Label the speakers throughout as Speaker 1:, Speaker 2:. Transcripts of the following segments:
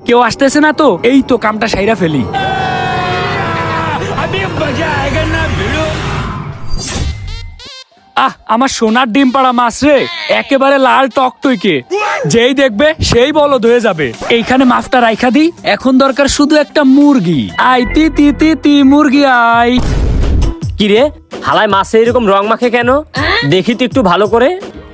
Speaker 1: কেউ আসতেছে না তো, এই তো কামটা সাইরা ফেলি। আমার সোনার ডিম পাড়া মাছ রে, একেবারে লাল টকটইকে, যেই দেখবে সেই বলদ হয়ে যাবে। এইখানে মাছটা রাইখা দি, এখন দরকার শুধু একটা মুরগি। আই তি তি তি তি মুরগি আই।
Speaker 2: কি রে হালায় মাছে এরকম রং মাখে কেন? দেখি তো একটু ভালো করে।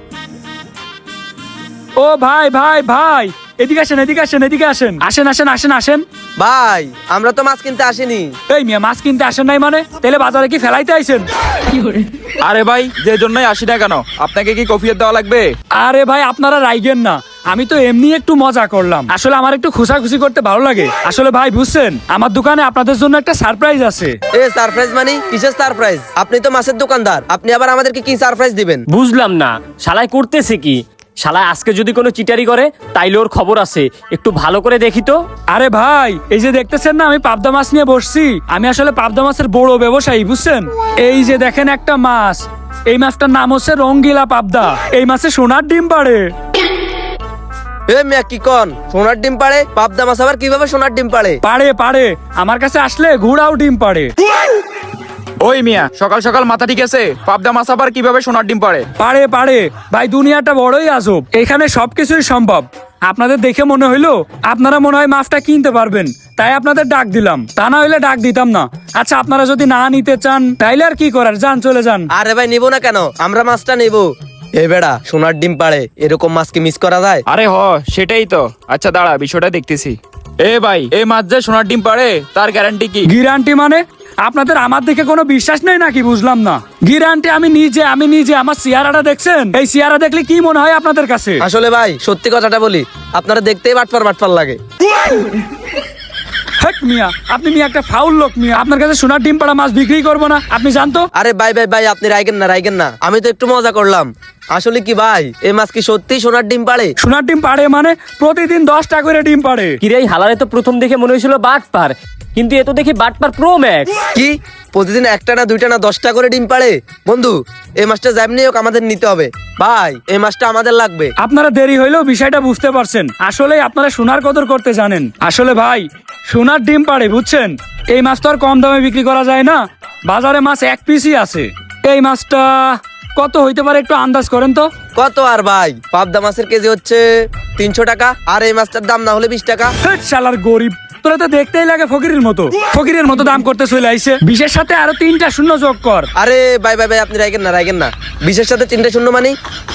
Speaker 1: ও ভাই ভাই ভাই, এদিকে আসেন এদিকে আসেন এদিকে আসেন, আসেন আসেন আসেন আসেন।
Speaker 3: ভাই আমরা তো মাছ কিনতে আসিনি।
Speaker 1: এই মিয়া, মাছ কিনতে আসেন নাই মানে? তাহলে বাজারে কি ফেলাইতে আইছেন?
Speaker 4: আরে ভাই, যে জন্যই আসি না কেন, আপনাকে কি কফিয়ত দেওয়া লাগবে?
Speaker 1: আরে ভাই আপনারা রাইগেন না, আমি তো এমনি একটু মজা করলাম। আসলে আমার একটু খুশাখুশি করতে ভালো লাগে। আসলে ভাই বুঝছেন, আমার দোকানে আপনাদের জন্য একটা সারপ্রাইজ আছে।
Speaker 3: এ সারপ্রাইজ মানে কিসের সারপ্রাইজ? আপনি তো মাছের দোকানদার, আপনি আবার আমাদেরকে কি সারপ্রাইজ দিবেন?
Speaker 2: বুঝলাম না শালায় করতেছে কি। শালায় আজকে যদি কোনো চিটারি করে তাইলে ওর খবর আছে, একটু ভালো করে দেখি তো।
Speaker 1: আরে ভাই, এই যে দেখতেছেন না আমি পাবদা মাছ নিয়ে বসছি, আমি আসলে পাবদা মাছের বড় ব্যবসায়ী বুঝছেন। এই যে দেখেন একটা মাছ, এই মাছটার নাম হচ্ছে রঙ্গিলা পাবদা। এই মাছে সোনার ডিম পাড়ে।
Speaker 3: এ মিয়া কি কন, সোনার ডিম পাড়ে? পাবদা মাছ আবার কিভাবে সোনার ডিম পাড়ে?
Speaker 1: পাড়ে পাড়ে, আমার কাছে আসলে ঘোড়াও ডিম পাড়ে।
Speaker 4: ওই মিয়া, সকাল সকাল মাথা ঠিক আছে? পাবদা মাছ আবার কিভাবে সোনার ডিম পাড়ে?
Speaker 1: পাড়ে পাড়ে ভাই, দুনিয়াটা বড়ই আজব, এখানে সবকিছুই সম্ভব। আপনাদের দেখে মনে হইলো আপনারা মনে হয় মাছটা কিনতে পারবেন, তাই আপনাদের ডাক দিলাম, তা না হইলে ডাক দিতাম না। আচ্ছা আপনারা যদি না নিতে চান তাইলে আর কি করার, যান চলে যান।
Speaker 3: আরে ভাই নিবো না কেন, আমরা মাছটা নেবো। এ বেড়া, সোনার ডিম পাড়ে, এরকম মাছ কি মিস করা যায়?
Speaker 4: আরে সেটাই তো। আচ্ছা দাঁড়া, বিষয়টা দেখতেছি। এ ভাই, এই মাছ যে সোনার ডিম পাড়ে তার গ্যারান্টি কি?
Speaker 1: গ্যারান্টি মানে? আপনাদের আমার দেখে কোনো বিশ্বাস নেই নাকি? বুঝলাম না। গ্যারান্টি আমি নিজে আমার চেহারাটা দেখছেন? এই চেহারা দেখলে কি মনে হয় আপনাদের কাছে?
Speaker 3: আসলে ভাই সত্যি কথাটা বলি, আপনারা দেখতেই বাটপার বাটপার লাগে।
Speaker 1: হেক মিয়া, আপনি মিয়া একটা ফাউল লোক মিয়া, আপনার কাছে সোনার ডিম পাড়া মাছ বিক্রি করবো না, আপনি জানতো?
Speaker 3: আরে ভাই ভাই ভাই, আপনি রাইগেন না, আমি তো একটু মজা করলাম। আসলে কি ভাই, এই মাছ কি সত্যি সোনার ডিম পাড়ে?
Speaker 1: সোনার ডিম পাড়ে মানে প্রতিদিন 10টা করে ডিম পাড়ে।
Speaker 2: কিরে এই হালারে তো প্রথম দেখে মনে হয়েছিল বাটপার, কিন্তু এ তো দেখি বাটপার প্রো ম্যাক্স।
Speaker 3: কি প্রতিদিন একটা না দুইটা না 10টা করে ডিম পাড়ে? বন্ধু, এই মাছটা যেমনি হোক আমাদের নিতে হবে ভাই, এই মাছটা আমাদের লাগবে।
Speaker 1: আপনারা দেরি হইলেও বিষয়টা বুঝতে পারছেন, আসলে আপনারা সোনার কদর করতে জানেন। আসলে ভাই সোনার ডিম পাড়ে বুঝছেন, এই মাছ তো আর কম দামে বিক্রি করা যায় না, বাজারে মাছ এক পিসই আছে। এই মাছটা কত হইতে পারে একটু আন্দাজ করেন তো?
Speaker 3: কত আর ভাই, পাবদা মাছের কেজি হচ্ছে 300 টাকা, আর এই মাছটার দাম না হলে 20 টাকা।
Speaker 1: হেট শালার গরিব, তোরা তো দেখতেই লাগে ফকিরের মতো দাম করতে চলে আইছে। বিশের সাথে আরো 3টা শূন্য যোগ কর।
Speaker 3: আরে ভাই ভাই ভাই, আপনি রাইগেন না, বিশের সাথে 3টা শূন্য মানে?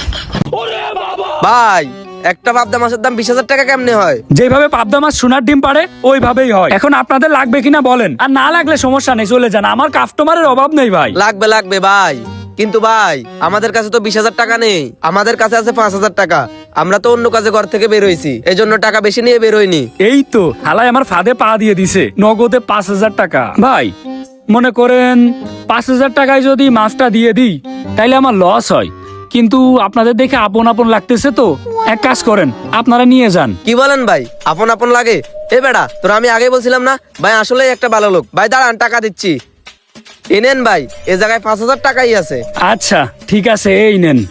Speaker 3: ভাই একটা পাবদা মাছের দাম 20,000 টাকা কেমনে হয়?
Speaker 1: যেভাবে পাবদা মাছ সোনার ডিম পাড়ে ওইভাবেই হয়। এখন আপনাদের লাগবে কিনা বলেন, আর না লাগলে সমস্যা নেই, চলে যান, আমার কাস্টমারের অভাব নেই ভাই।
Speaker 3: লাগবে ভাই, কিন্তু ভাই আমাদের কাছে তো 20,000 টাকা নেই, আমাদের কাছে আছে 5,000 টাকা। আমরা তো অন্য কাজে ঘর থেকে বের হইছি, এজন্য টাকা বেশি নিয়ে বের হইনি।
Speaker 1: এই তো হালাই আমার ফাঁদে পা দিয়ে দিছে, নগদে 5,000 টাকা। ভাই মনে করেন 5,000 টাকায় যদি মাছটা দিয়ে দিই তাইলে আমার লস হয়, কিন্তু আপনাদের দেখে আপন আপন লাগতেছে তো এক কাজ করেন, আপনারা নিয়ে যান।
Speaker 3: কি বলেন ভাই, আপন আপন লাগে? এ বেড়া, তোরা আমি আগে বলছিলাম না ভাই, আসলে একটা ভালো লোক। ভাই দাঁড়ান, টাকা দিচ্ছি, এনেন ভাই, এ জায়গায় 5,000 টাকাই আছে।
Speaker 1: আচ্ছা ঠিক আছে, এই নেন।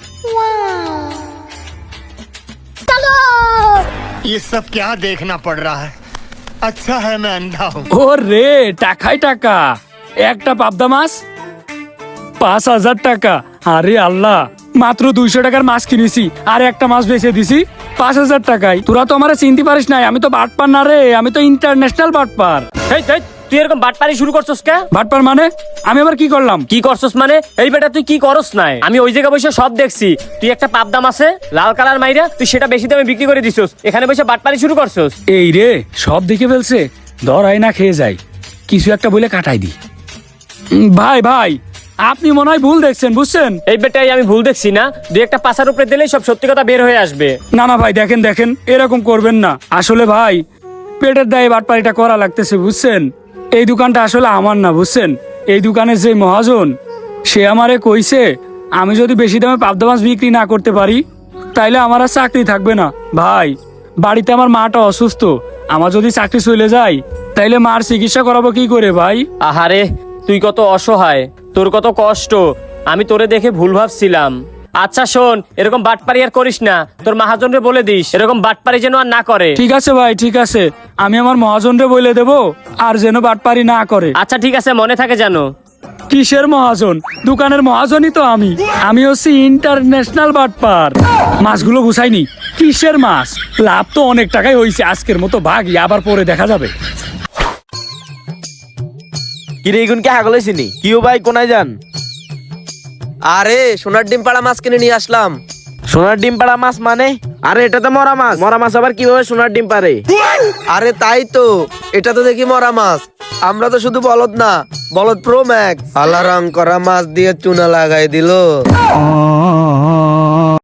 Speaker 5: ये सब क्या देखना पड़ रहा है? अच्छा है मैं अंधा हूँ।
Speaker 1: ও রে, টাকাই টাকা, একটা পাবদা মাছ 5,000 টাকা। আরে আল্লাহ, মাত্র 200 টাকার মাছ কিনেছি আর একটা মাছ বেচে দিছি 5,000 টাকায়। তোরা তো আমারে চিনতে পারিস নাই, আমি তো বাটপার না রে, আমি তো ইন্টারন্যাশনাল বাটপার।
Speaker 2: এই তুই এরকম বাটপারি শুরু করছস কে?
Speaker 1: বাটপার মানে আমি আবার কি করলাম?
Speaker 2: কি করছস মানে? এই বেটা তুই কি করস নাই? আমি ওই জায়গায় বসে সব দেখছি, তুই একটা পাবদা মাছে লাল কালার মাইরা তুই সেটা বেশি দামে বিক্রি করে দিছস, এখানে বসে বাটপারি শুরু করছস।
Speaker 1: এই রে, সব দেখে ফেলছে, ধরাই না খেয়ে যায়, কিছু একটা বলে কাটাই দি। ভাই ভাই, আপনি মনে হয় ভুল দেখছেন বুঝছেন।
Speaker 2: এই বেটাই আমি ভুল দেখছি না, দুই একটা পাশার উপরে দিলেই সব সত্যি কথা বের হয়ে আসবে।
Speaker 1: না না ভাই, দেখেন এরকম করবেন না। আসলে ভাই পেটের দায়ে বাটপারিটা করা লাগতেছে বুঝছেন। এই দোকানটা আসলে আমার না বুঝছেন, এই দোকানের যে মহাজন সে আমারে কইছে আমি যদি বেশি দামে পাবদা মাছ বিক্রি না করতে পারি তাইলে আমার আর চাকরি থাকবে না। ভাই বাড়িতে আমার মাটা অসুস্থ, আমার যদি চাকরি চলে যায় তাইলে মার চিকিৎসা করাবো কি করে ভাই?
Speaker 2: আহারে তুই কত অসহায়, তোর কত কষ্ট, আমি তোরে দেখে ভুল ভাবছিলাম। আচ্ছা শোন, এরকম বাটপারি আর করিস না, তোর মহাজনরে বলে দিস এরকম বাটপারি যেন আর না করে।
Speaker 1: ঠিক আছে ভাই, ঠিক আছে, আমি আমার মহাজনরে বলে দেব আর যেন বাটপারি না করে।
Speaker 2: আচ্ছা ঠিক আছে, মনে থাকে জানো।
Speaker 1: কিসের মহাজন? দোকানের মহাজনই তো আমি হচ্ছি ইন্টারন্যাশনাল বাটপার। মাছগুলো গুছাইনি। কিসের মাছ? লাভ তো অনেক টাকাই হয়েছে, আজকের মতো ভাগই, আবার পরে দেখা যাবে।
Speaker 6: কিরে এগুন কে হাগলে চিনি কিও ভাই কোনায় যান?
Speaker 3: আরে সোনার ডিম পাড়া মাছ কিনে নিয়ে আসলাম।
Speaker 6: সোনার ডিম পাড়া মাছ মানে? আরে এটা তো মরা মাছ। মরা মাছ আবার কিভাবে সোনার ডিম পারে?
Speaker 3: আরে তাই তো, এটা তো দেখি মরা মাছ। আমরা তো শুধু বলদ না, বলদ প্রো ম্যাক্স। আল্লাহ রং করা মাছ দিয়ে চুনা লাগাই দিল।